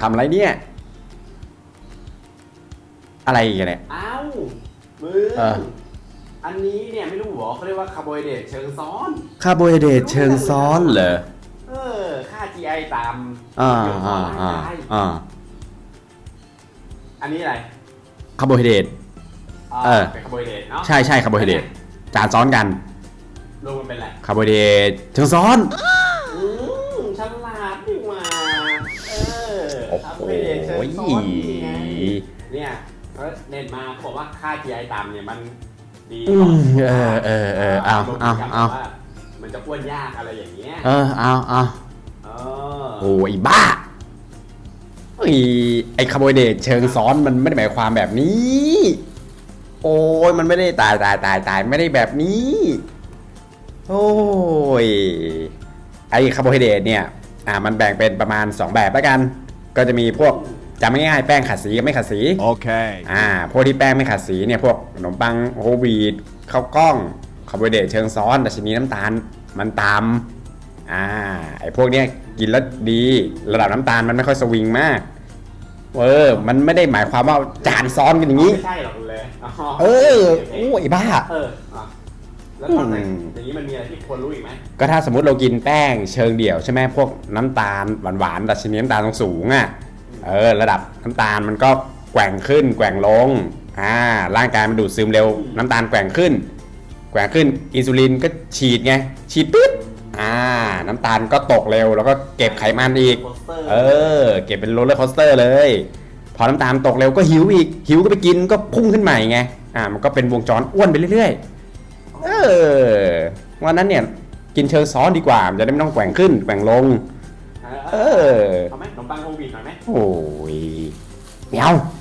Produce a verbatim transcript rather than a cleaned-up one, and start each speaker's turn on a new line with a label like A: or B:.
A: ทำอะไรเนี่ยอะไรกันเนี่ย
B: อ้าวมึง
A: เออ
B: อันนี้เนี่ยไม่รู้หรอเขาเรียกว่าคาร์โบไฮเดรตเชิงซ้อน
A: คาร์โบไฮเดรตเชิงซ้อนเหรอ
B: เออค่า จี ไอ ตาม
A: อ่า
B: เกี่ยวกับ
A: อ่า
B: ร่าง
A: อ่าก
B: าย
A: อ่า
B: อันนี้อะไร
A: คาร์โบไฮเดรต
B: อ่า
A: เออ
B: เป็นคาร์โบไฮเดรตเนาะ
A: ใช่ใช่คาร์โบไฮเดรตจานซ้อนกัน
B: รวมมันเป็นอะไร
A: คาร์โบไฮเดรตเชิงซ้อน
B: อืมฉลาดดีว่าเออ
A: โอ้
B: คาร์
A: โห
B: โบไฮเดรตเชิงซ้อนนี่ไงเนี่ยเขาเน้นมาเขาบอกว่าค่า จี ไอ ต่ำเนี่ยมันดี
A: อื
B: ก่อน
A: มเออเออเออเอาเอาเอา
B: ว่ามันจะอ้วนยากอะไรอย่างเงี้ย
A: เออเอาเอา
B: เออ
A: โอ้ยบ้าไอ้ไอ้คาร์โบไฮเดรตเชิงซ้อนมันไม่ได้หมายความแบบนี้ โอ้ยมันไม่ได้ตายตายตายตายไม่ได้แบบนี้ โอ้ยไอ้คาร์โบไฮเดรตเนี่ยอ่ามันแบ่งเป็นประมาณสองแบบแล้วกัน ก็จะมีพวกจำง่ายๆแป้งขัดสีกับไม่ขัดสี
C: Okay.
A: อ่าพวกที่แป้งไม่ขัดสีเนี่ยพวกขนมปังโฮลวีตข้าวกล้องคาร์โบไฮเดรตเชิงซ้อนดัชนีน้ำตาลมันต่ำอ่าไอ้พวกเนี้ยกินแล้วดีระดับน้ำตาลมันไม่ค่อยสวิงมากเออมันไม่ได้หมายความว่าจานซ้อนกันอย่างนี้
B: ไม่ใช่หรอกเลยอ๋อ
A: เออ
B: โอเค
A: โอ้ยบ้า
B: เอออ่ะแล้วตอนไหน
A: อืม
B: อย่างนี้มันมีอะไรที่ควรรู้อีกไหม
A: ก็ถ้าสมมติเรากินแป้งเชิงเดี่ยวใช่ไหมพวกน้ำตาลหวานๆดัชนีน้ำตาลสูงๆอ่ะเออระดับน้ำตาลมันก็แกว่งขึ้นแกว่งลงอ่าร่างกายมันดูดซึมเร็วน้ำตาลแกว่งขึ้น แกว่งขึ้นอินซูลินก็ฉีดไงฉีดปึ๊บอ่าน้ำตาลก็ตกเร็วแล้วก็เก็บไขมันอีก
B: โปสเตอร์
A: เออเก็บเป็นโรลเลอร์คอสเตอร์เลยพอน้ำตาลตกเร็วก็หิวอีกหิวก็ไปกินก็พุ่งขึ้นใหม่ไงอ่ามันก็เป็นวงจรอ้วนไปเรื่อยๆเออวันนั้นเนี่ยกินเชิงซ้อนดีกว่ามันจะได้ไม่ต้องแกว่งขึ้นแกว่งลง
B: เอ
A: เอ
B: อ
A: อ
B: เอาไหมขนมปังโฮลวีตหน่อยไหม
A: โอ้ยไม่เอา